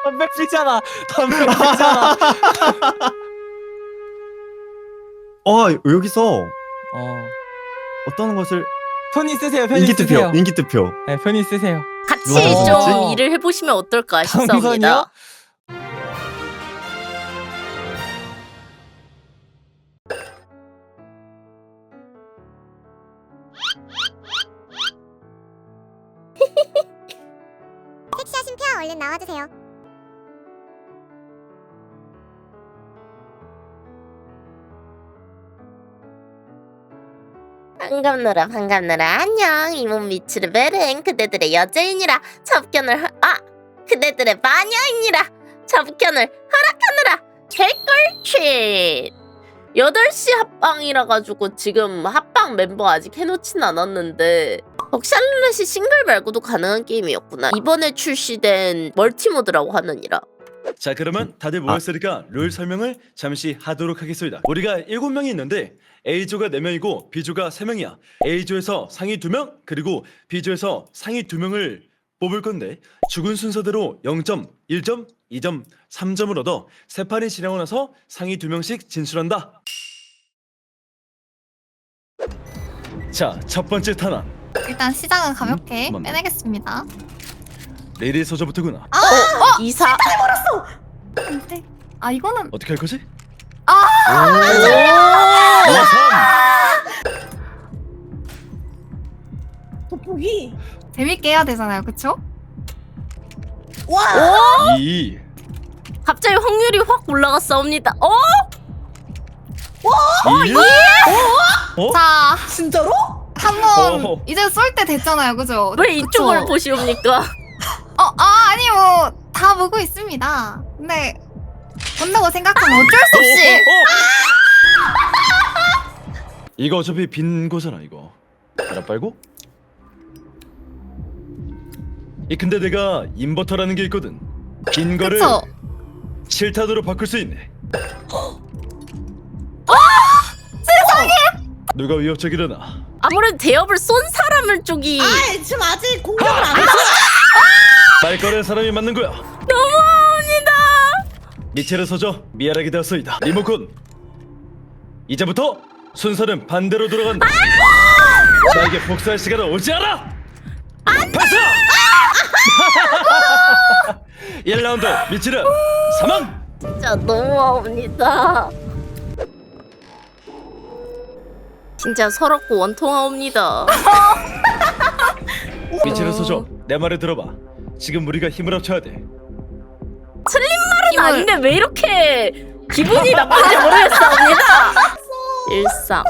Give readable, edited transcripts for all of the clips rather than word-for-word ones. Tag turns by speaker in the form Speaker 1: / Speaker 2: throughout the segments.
Speaker 1: 담배 피잖아. 담배 피잖아.
Speaker 2: 여기서
Speaker 1: 어.
Speaker 2: 어떤 것을
Speaker 1: 편히 쓰세요. 편히
Speaker 2: 인기 투표,
Speaker 1: 쓰세요.
Speaker 2: 인기 투표.
Speaker 1: 네, 편히 쓰세요.
Speaker 3: 같이
Speaker 2: 누가 더
Speaker 3: 좀
Speaker 1: 좋았지?
Speaker 3: 일을 해보시면 어떨까
Speaker 1: 당선이요?
Speaker 3: 싶습니다.
Speaker 4: 섹시하신 표 얼른 나와주세요.
Speaker 3: 반갑노라 반갑노라 안녕 이몸 미츠르 베른 그대들의 여제이니라 그대들의 마녀이니라 접견을 허락하느라 개꿀칫 8시 합방이라 가지고 지금 합방 멤버 아직 해놓진 않았는데 벅샬렛이 싱글 말고도 가능한 게임이었구나. 이번에 출시된 멀티모드라고 하느니라.
Speaker 5: 자, 그러면 다들 모였으니까 룰 설명을 잠시 하도록 하겠습니다. 우리가 7명이 있는데 A조가 4명이고 B조가 3명이야. A조에서 상위 2명 그리고 B조에서 상위 2명을 뽑을 건데 죽은 순서대로 0점, 1점, 2점, 3점을 얻어 세 판이 지나고 나서 상위 2명씩 진출한다. 자, 첫 번째 탄환
Speaker 6: 일단 시작은 가볍게
Speaker 5: 맞네.
Speaker 6: 빼내겠습니다.
Speaker 5: 레디 소저부터구나.
Speaker 3: 이사
Speaker 6: 근데 이거는
Speaker 5: 어떻게 할 거지?
Speaker 6: 아!
Speaker 5: 오! 3!
Speaker 7: 돋보기.
Speaker 6: 재밌게 해야 되잖아요, 그쵸?
Speaker 7: 와.
Speaker 5: 2!
Speaker 3: 갑자기 확률이 확 올라갔사옵니다.
Speaker 5: 1! 어?
Speaker 6: 자,
Speaker 7: 진짜로?
Speaker 6: 한번
Speaker 5: 어허.
Speaker 6: 이제 쏠 때 됐잖아요, 그죠?
Speaker 3: 왜 이쪽을
Speaker 6: 그쵸?
Speaker 3: 보시옵니까?
Speaker 6: 아니 뭐 다 보고 있습니다. 근데 본다고 생각하면 어쩔 수 없이
Speaker 5: 이거 어차피 빈 거잖아 이거. 알아 빨고? 근데 내가 인버터라는 게 있거든. 빈 거를
Speaker 6: 그쵸?
Speaker 5: 실타도로 바꿀 수 있네.
Speaker 6: 세상에!
Speaker 5: 누가 위협적이려나?
Speaker 3: 아무래도 대업을 쏜 사람을 쪽이
Speaker 7: 아, 지금 아직 공격을 안 했어.
Speaker 5: 말 꺼낸 사람이 맞는 거야.
Speaker 3: 너무합니다.
Speaker 5: 미체를 서져 미안하게 되었소이다. 리모컨. 이제부터 순서는 반대로 돌아간다. 나에게 복수할 시간은 오지 않아. 발사! 1라운드 미치르 사망.
Speaker 3: 진짜 너무합니다. 진짜 서럽고 원통하옵니다.
Speaker 5: 미치르 서져 내 말을 들어봐. 지금 우리가 힘을 합쳐야 돼.
Speaker 3: 말은 아닌데 왜 이렇게 기분이 나쁜지 모르겠사옵니다. 13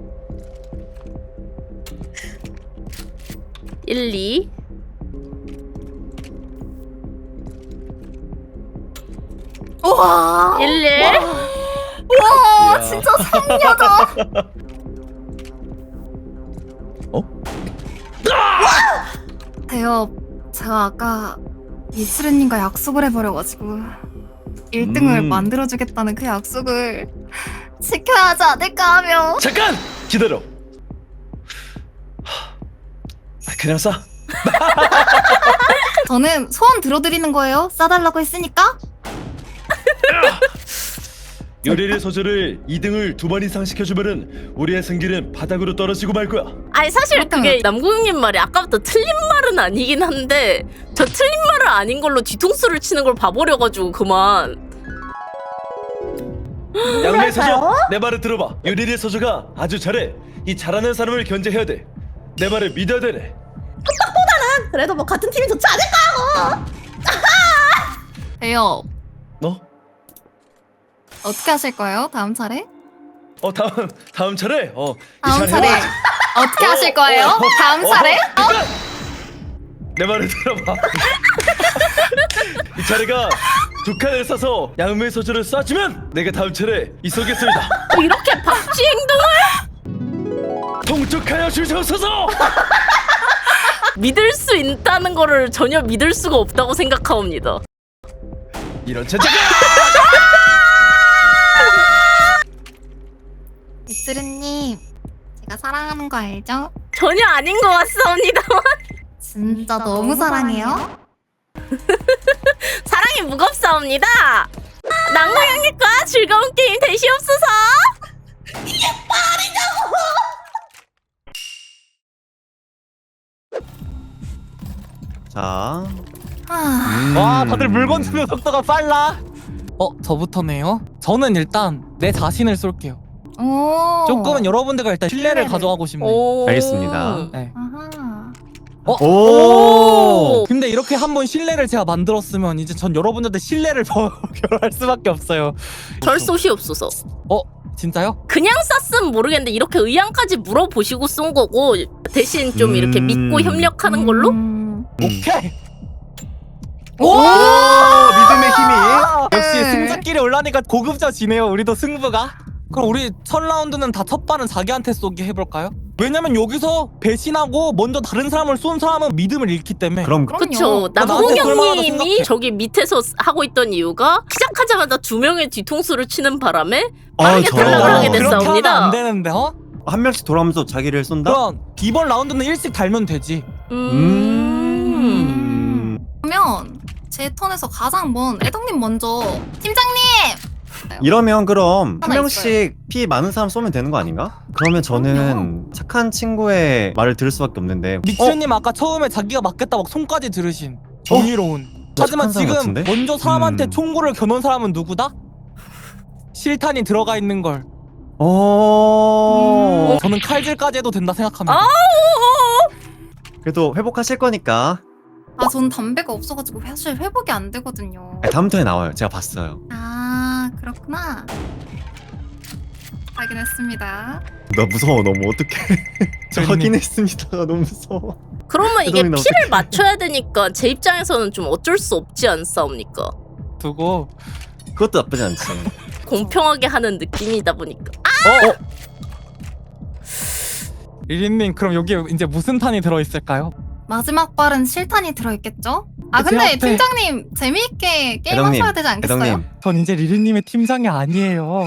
Speaker 3: 12
Speaker 6: 우와!
Speaker 3: 11
Speaker 6: 우와,
Speaker 5: 이야.
Speaker 6: 진짜 상여자. 대엽, 제가 아까 미츠르님과 약속을 해버려가지고 1등을 만들어주겠다는 그 약속을 지켜야 하지 않을까 하며
Speaker 5: 잠깐 기다려. 그냥 싸.
Speaker 6: 저는 소원 들어드리는 거예요. 싸달라고 했으니까.
Speaker 5: 요리를 소주를 2등을 2번 이상 시켜주면은 우리의 승기는 바닥으로 떨어지고 말 거야.
Speaker 3: 아니 사실 그게
Speaker 6: 그렇다면.
Speaker 3: 남궁님 말이 아까부터 틀린 말은 아니긴 한데 저 틀린 말은 아닌 걸로 뒤통수를 치는 걸 봐버려가지고 그만.
Speaker 5: 양매 소주 내 말을 들어봐. 요리의 소주가 아주 잘해. 이 잘하는 사람을 견제해야 돼. 내 말을 믿어야 되네.
Speaker 7: 그래도 뭐 같은 팀이 좋지 않을까?
Speaker 6: 대엽,
Speaker 5: 너?
Speaker 6: 어떻게 하실 거예요? 다음 차례?
Speaker 5: 다음 차례. 이
Speaker 6: 다음
Speaker 5: 차례
Speaker 6: 차례
Speaker 5: 해야지.
Speaker 6: 어떻게 하실 거예요? 다음 차례?
Speaker 5: 내 말을 들어봐. 이 차례가 두 칸을 싸서 양매 소주를 쏴주면 내가 다음 차례 이쏘겠습니다.
Speaker 3: 이렇게 박쥐 행동을
Speaker 5: 통촉하여 주시옵소서.
Speaker 3: 믿을 수 있다는 거를 전혀 믿을 수가 없다고 생각하옵니다.
Speaker 5: 이런 제자가.
Speaker 6: 미츠르님, 제가 사랑하는 거 알죠?
Speaker 3: 전혀 아닌 것 같사옵니다만
Speaker 6: 진짜 너무 사랑해요.
Speaker 3: 사랑이 심장이 무겁사옵니다. 낭만형님과 즐거운 게임 되시옵소서.
Speaker 2: 자,
Speaker 1: 와 다들 물건 주는 속도가 빨라. 저부터네요. 저는 일단 내 자신을 쏠게요.
Speaker 6: 오.
Speaker 1: 조금은 여러분들과 일단 신뢰를 가져가고 싶네요.
Speaker 3: 오.
Speaker 2: 알겠습니다.
Speaker 1: 네.
Speaker 6: 아하.
Speaker 2: 오!
Speaker 1: 근데 이렇게 한번 신뢰를 제가 만들었으면 이제 전 여러분들한테 신뢰를 결할 수밖에 없어요.
Speaker 3: 절 쏘시옵소서.
Speaker 1: 진짜요?
Speaker 3: 그냥 쐈으면 모르겠는데 이렇게 의향까지 물어보시고 쏜 거고 대신 좀 이렇게 믿고 협력하는 걸로?
Speaker 1: 오케이.
Speaker 2: 오! 믿음의 힘이.
Speaker 1: 역시
Speaker 6: 네.
Speaker 1: 승자끼리 올라니까 고급져지네요. 우리도 승부가. 그럼 우리 첫 라운드는 다 첫 발은 자기한테 쏘기 해볼까요? 왜냐면 여기서 배신하고 먼저 다른 사람을 쏜 사람은 믿음을 잃기 때문에.
Speaker 2: 그럼
Speaker 3: 그쵸.
Speaker 1: 나한테 그럴 만하다
Speaker 3: 남홍영님이
Speaker 1: 생각해.
Speaker 3: 저기 밑에서 하고 있던 이유가 시작하자마자 2명의 뒤통수를 치는 바람에 빠르게
Speaker 2: 저런.
Speaker 3: 탈락을 하게
Speaker 1: 그렇게 하면
Speaker 3: 됐사옵니다.
Speaker 1: 안 되는데
Speaker 2: 한 명씩 돌아오면서 자기를 쏜다?
Speaker 1: 그럼 이번 라운드는 일씩 달면 되지.
Speaker 6: 그러면 제 턴에서 가장 먼 애덕님 먼저. 팀장님.
Speaker 2: 이러면 그럼 한
Speaker 6: 하나
Speaker 2: 명씩 피 많은 사람 쏘면 되는 거 아닌가? 그러면 저는 착한 친구의 말을 들을 수밖에 없는데.
Speaker 1: 미츠님 아까 처음에 자기가 맞겠다 막 손까지 들으신 정의로운. 하지만
Speaker 2: 착한 사람
Speaker 1: 지금
Speaker 2: 같은데?
Speaker 1: 먼저 사람한테 총구를 겨눈 사람은 누구다? 실탄이 들어가 있는 걸. 저는 칼질까지 해도 된다 생각합니다.
Speaker 2: 그래도 회복하실 거니까.
Speaker 6: 아, 전 담배가 없어가지고 사실 회복이 안 되거든요.
Speaker 2: 다음 턴에 나와요. 제가 봤어요.
Speaker 6: 아, 그렇구나. 확인했습니다.
Speaker 2: 나 무서워 너무 어떡해. 저
Speaker 1: 그러네.
Speaker 2: 확인했습니다. 너무 무서워.
Speaker 3: 그러면 이게
Speaker 2: 애덕님
Speaker 3: 피를
Speaker 2: 어떡해.
Speaker 3: 맞춰야 되니까 제 입장에서는 좀 어쩔 수 없지 않사옵니까?
Speaker 1: 두고.
Speaker 2: 그것도 나쁘지 않지.
Speaker 3: 공평하게 하는 느낌이다 보니까.
Speaker 1: 리린님 그럼 여기 이제 무슨 탄이 들어있을까요?
Speaker 6: 마지막 발은 실탄이 들어있겠죠? 아,
Speaker 1: 제
Speaker 6: 근데
Speaker 1: 앞에.
Speaker 6: 팀장님 재미있게 게임하셔야 되지 않겠어요?
Speaker 2: 애덕님.
Speaker 1: 전 이제 리린님의 팀장이 아니에요.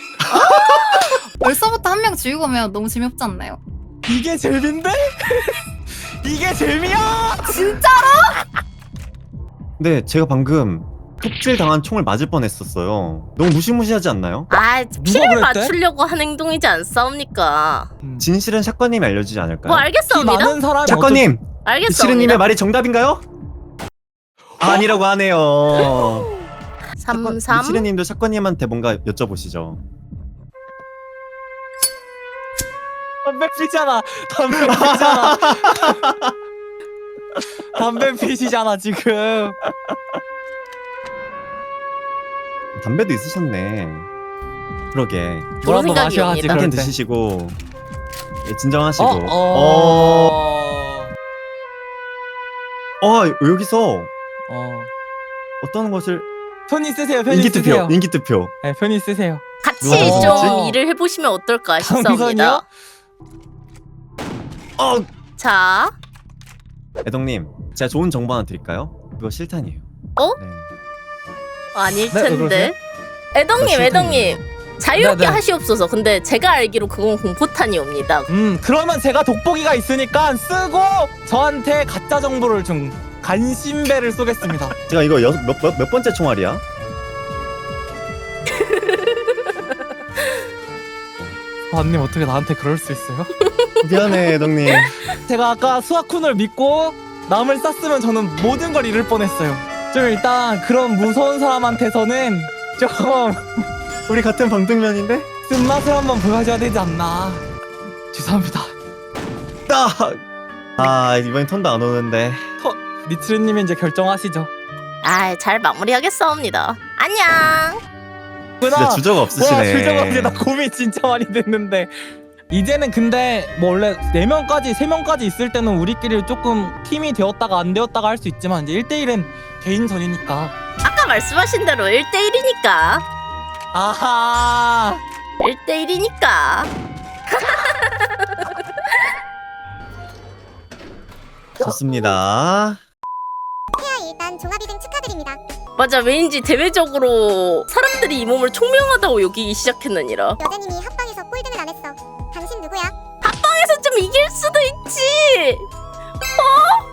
Speaker 6: 벌써부터 한 명 죽이고 오면 너무 재미없지 않나요?
Speaker 1: 이게 재미인데? 이게 재미야!
Speaker 2: 근데 제가 방금 톱질 당한 총을 맞을 뻔했었어요. 너무 무시무시하지 않나요?
Speaker 3: 아, 피를
Speaker 1: 그랬대?
Speaker 3: 맞추려고 한 행동이지 않사옵니까?
Speaker 2: 진실은 샷건님이 알려주지 않을까요?
Speaker 3: 뭐
Speaker 1: 피
Speaker 3: 알겠사옵니다.
Speaker 1: 많은 사람이
Speaker 2: 샷건님!
Speaker 3: 알겠사옵니다.
Speaker 2: 시르님의 말이 정답인가요? 아니라고 하네요.
Speaker 3: 33.
Speaker 2: 시르님도 샷건님한테 뭔가 여쭤보시죠.
Speaker 1: 담배 피잖아. 담배 피잖아. 담배 피시잖아 지금.
Speaker 2: 담배도 있으셨네. 그러게.
Speaker 1: 뭐라도
Speaker 3: 생각이
Speaker 1: 마셔야지
Speaker 3: 옵니다.
Speaker 1: 그럴
Speaker 2: 한캔
Speaker 1: 때.
Speaker 2: 드시고 예, 진정하시고. 여기서 어떤 것을
Speaker 1: 편히 쓰세요. 편히
Speaker 2: 인기투표,
Speaker 1: 쓰세요.
Speaker 2: 인기투표.
Speaker 1: 네, 편히 쓰세요.
Speaker 3: 같이
Speaker 2: 누가 더
Speaker 3: 좀
Speaker 2: 좋았지?
Speaker 3: 일을 해보시면 어떨까 싶사옵니다.
Speaker 1: 당선이요?
Speaker 3: 자,
Speaker 2: 애덕님, 제가 좋은 정보 하나 드릴까요? 그거 실탄이에요.
Speaker 3: 어?
Speaker 2: 네.
Speaker 3: 아닐
Speaker 1: 네, 왜
Speaker 3: 텐데.
Speaker 2: 나
Speaker 3: 애덕님,
Speaker 2: 실탄이에요.
Speaker 3: 애덕님. 자유롭게
Speaker 1: 네, 네.
Speaker 3: 하시옵소서. 근데 제가 알기로 그건 공포탄이옵니다.
Speaker 1: 그러면 제가 돋보기가 있으니까 쓰고 저한테 가짜 정보를 좀 간신배를 쏘겠습니다.
Speaker 2: 제가 이거 몇 번째 총알이야?
Speaker 1: 아님 어떻게 나한테 그럴 수 있어요?
Speaker 2: 미안해, 애덕님.
Speaker 1: 제가 아까 수아쿤을 믿고 남을 쐈으면 저는 모든 걸 잃을 뻔했어요. 좀 일단 그런 무서운 사람한테서는 좀
Speaker 2: 우리 같은 방등면인데?
Speaker 1: 쓴맛을 한번 보여줘야 되지 않나. 죄송합니다.
Speaker 2: 이번엔 턴도 안 오는데.
Speaker 1: 니츠르님이 이제 결정하시죠.
Speaker 3: 아, 잘 마무리하겠사옵니다. 안녕.
Speaker 2: 진짜 주저가
Speaker 1: 와
Speaker 2: 없으시네.
Speaker 1: 주저가 없이 나 고민 진짜 많이 됐는데 이제는 근데 뭐 원래 4명까지 3명까지 있을 때는 우리끼리 조금 팀이 되었다가 안 되었다가 할 수 있지만 이제 1대1은 개인전이니까.
Speaker 3: 아까 말씀하신 대로 1대1이니까.
Speaker 1: 아하
Speaker 3: 1대1이니까.
Speaker 2: 좋습니다.
Speaker 4: 일단 종합 2등 축하드립니다.
Speaker 3: 맞아, 왠지 대외적으로 사람들이 이 몸을 총명하다고 여기기 시작했느니라.
Speaker 4: 여자님이 합방에서 꼴등을 안 했어. 당신 누구야?
Speaker 3: 합방에서 좀 이길 수도 있지. 어?